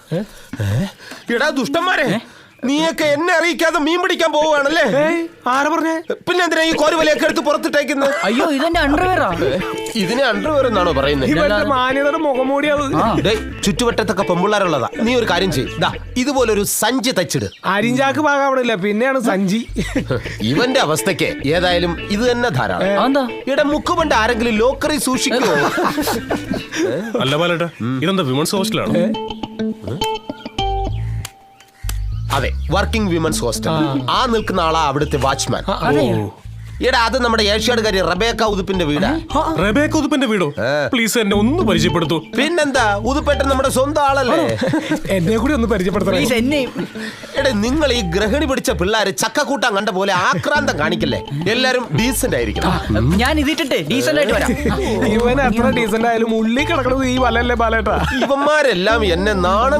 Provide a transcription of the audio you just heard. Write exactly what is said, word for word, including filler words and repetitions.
എടാ ദുഷ്ടന്മാരെ, നീയൊക്കെ എന്നെ അറിയിക്കാതെ മീൻ പിടിക്കാൻ പോവുകയാണല്ലേ? ആരാ പറഞ്ഞേ? പിന്നെ എന്തിനാ ഈ കോരുവലയൊക്കെ എടുത്ത് പുറത്തിട്ടേക്കുന്നത്? അയ്യോ ഇതെന്റെ അണ്ടർവെയറാ. ഇതിനെ അണ്ടർവെയർ എന്നാണോ പറയുന്നത്? ഇവന്റെ മാന്യതയുടെ മുഖംമൂടിയത്. ചുറ്റുവട്ടത്തൊക്കെ പെമ്പിള്ളാരുള്ളതാ. നീ ഒരു കാര്യം ചെയ്യ്, ഇതുപോലൊരു സഞ്ചി തച്ചിട്. അരിഞ്ചാക്ക് പാകാവണില്ല, പിന്നെയാണ് സഞ്ചി. ഇവന്റെ അവസ്ഥയ്ക്ക് ഏതായാലും ഇത് തന്നെ ധാരാളം. ഇവിടെ മുക്കുപണ്ട് ആരെങ്കിലും ലോക്കറി സൂക്ഷിക്കുമോ? അല്ല ബാലേട്ടാ, ഇതെന്താ വിമൻസ് ഹോസ്റ്റലാണ്? അതെ, വർക്കിംഗ് വിമൻസ് ഹോസ്റ്റൽ. ആ നിൽക്കുന്ന ആളാ അവിടുത്തെ വാച്ച്മാൻ. എടാ, അത് നമ്മുടെ ഏഷ്യാടുകാരി റബേക്ക ഉതുപ്പിന്റെ വീടാ. റബേക്ക ഉതുപ്പിന്റെ വീടോ? പ്ലീസ് എന്നെ ഒന്ന് പരിചയപ്പെടുത്തൂ. പിന്നെന്താ, ഉതുപ്പേട്ടൻ നമ്മുടെ സ്വന്തം ആളല്ലേ? എന്നെ കൂടി ഒന്ന് പരിചയപ്പെടുത്തണം. എടാ, നിങ്ങൾ ഈ ഗ്രഹണി പിടിച്ച പിള്ളേര് ചക്കക്കൂട്ടാൻ കണ്ട പോലെ ആക്രാന്തം കാണിക്കല്ലേ. എല്ലാരും ഡീസന്റ് ആയിരിക്കണം. ഞാൻ ഇതിട്ടെ ഡീസന്റ് ആയിട്ട് വരാം. ഇവൻ എത്ര ഡീസന്റ് ആയാലും ഉള്ളി കിടക്കണത് ഈ വലല്ലേ ബാലേട്ടാ. ഇവന്മാരെല്ലാം എന്നെ നാണം